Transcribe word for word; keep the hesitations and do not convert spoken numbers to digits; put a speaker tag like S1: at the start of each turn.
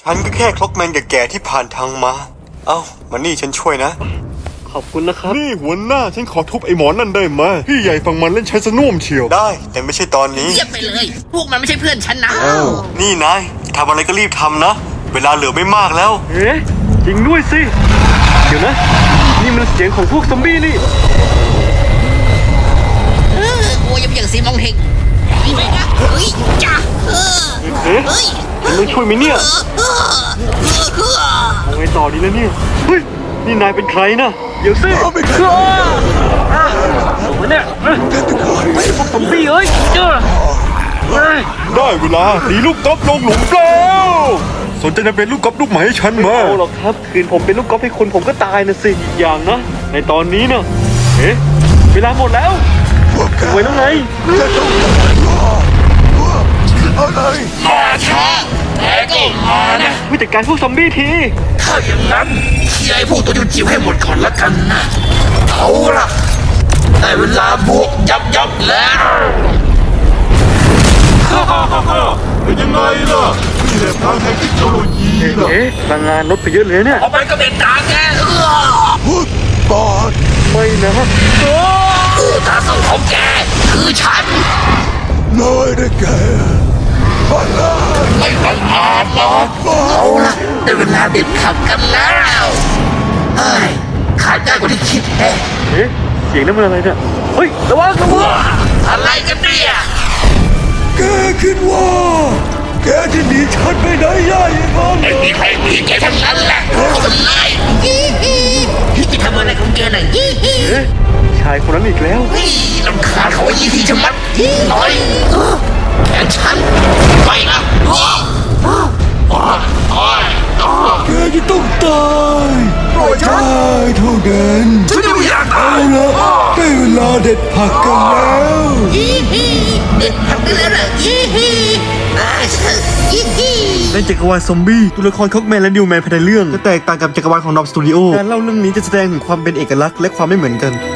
S1: ฉันก็แค่คล็อกแมนแก่ๆที่ผ่านทางมาเอ้ามานี่ฉันช่วยนะ
S2: ขอบคุณนะครับ
S3: นี่หัวหน้าฉันขอทุบไอ้หมอนั่นได้ไหมพี่ใหญ่ฝั่งมันเล่นใช้สนุ่มเชียว
S1: ได้แต่ไม่ใช่ตอนนี้
S4: เรียบไปเลยพวกมันไม่ใช่เพื่อนฉันนะ
S1: นี่นายทำอะไรก็รีบทำนะเวลาเหลือไม่มากแล้ว
S2: เอ๊ะจริงด้วยสิเดี๋ยวนะนี่มันเสียงของพวกซอมบี้นี่
S4: เออโอ้ยยังอย่างสีมองเฮงไปนะเฮ้ยจ้าเออ
S2: เอ๊ะ
S4: เฮ้ย
S2: ฉันต้องช่วยไหมเนี่ย
S4: เออเออเออ
S2: เอาไงต่อดีแล้วเนี่ยเฮ้ยนี่นายเป็นใครนะเดี๋ยวสิไม่ใช่สมเนี่ยไอ้พวกซอมบี้เอ้ยเจ้าเฮ้ย
S3: ได้เวลาตีลูกกอล์ฟลงหลุมแล้วสนใจจะเป็นลูกกอล์ฟลูกใหม่ให้ฉัน
S2: ไม่
S3: มา
S2: เอาหรอกครับคืนผมเป็นลูกกอล์ฟให้คนผมก็ตายนะสิอีกอย่างนะในตอนนี้นะเอ๊ะเวลาหมดแล้วไว้แล้วไง
S4: มาช้าแต่ก็มานะ
S2: ผู้จัดการพวกซอมบี้ที
S4: ถ้าอย่างนั้นเคลียร์ไอ้พวกตัวจิ๋วๆให้หมดก่อนละกันนะเอาล่ะได้เวลาบวกยับยับแล้ว
S3: เป็นยังไงล่ะนี่แหละทางแห่งเทคโนโลยีล่ะ
S2: เอ๊ะพลังงานลดไปเยอะเลยเนี่ย
S4: เอาไปก็เป็นตาแกเออ
S3: ปอด
S2: ไม่นะโอ้
S4: คือตาสู้ของแกคือฉัน
S3: น้อยได้แก่บ้านลา
S4: ไม่บังอาจหรอกเอาล่ะได้เวลาเด็ดขับกันแล้วเฮ้ยขาดได้กว่าที่คิดแฮะ
S2: เอ๊ะเสียงนั้นมันอะไรเนี่ยเฮ้ยระวังระวัง
S4: อะไรกันเนี่ย
S3: แกคิดว่าแกจะหนีฉันไปไหนได้ยังไง
S4: ไม่มีใครหนีแกทั้งนั้นแหละคนไล่ฮิฮิฮิจะทำอะไรของแกน่ะฮิฮิ
S2: เอ๊ะชายคนนั้นอีกแล้ว
S4: เฮ้ยลำคาญเขาไอ้ยี่ทีชะมัดฮิหน่อยเออแขนฉันไปนะโอ้โอ้โอ้โอ้โอ้
S3: แกจะต้องตายปล่อยฉันเท่านั้น
S4: ฉันยังไม่อยากตา
S3: เอา
S4: ย
S3: ละได้เวลาเด็ดผักกันแล้ว
S4: ฮิฮิเด็กทำได้แล้วเหรอฮิฮิอ่าฮิฮิ
S2: ในจักรวาลซอมบี้ตัวละครค็อกแมนและนิวแมนภายในเรื่องจะแตกต่างกับจักรวาลของดอมสตูดิโอการเล่าเรื่องนี้จะแสดงถึงความเป็นเอกลักษณ์และความไม่เหมือนกัน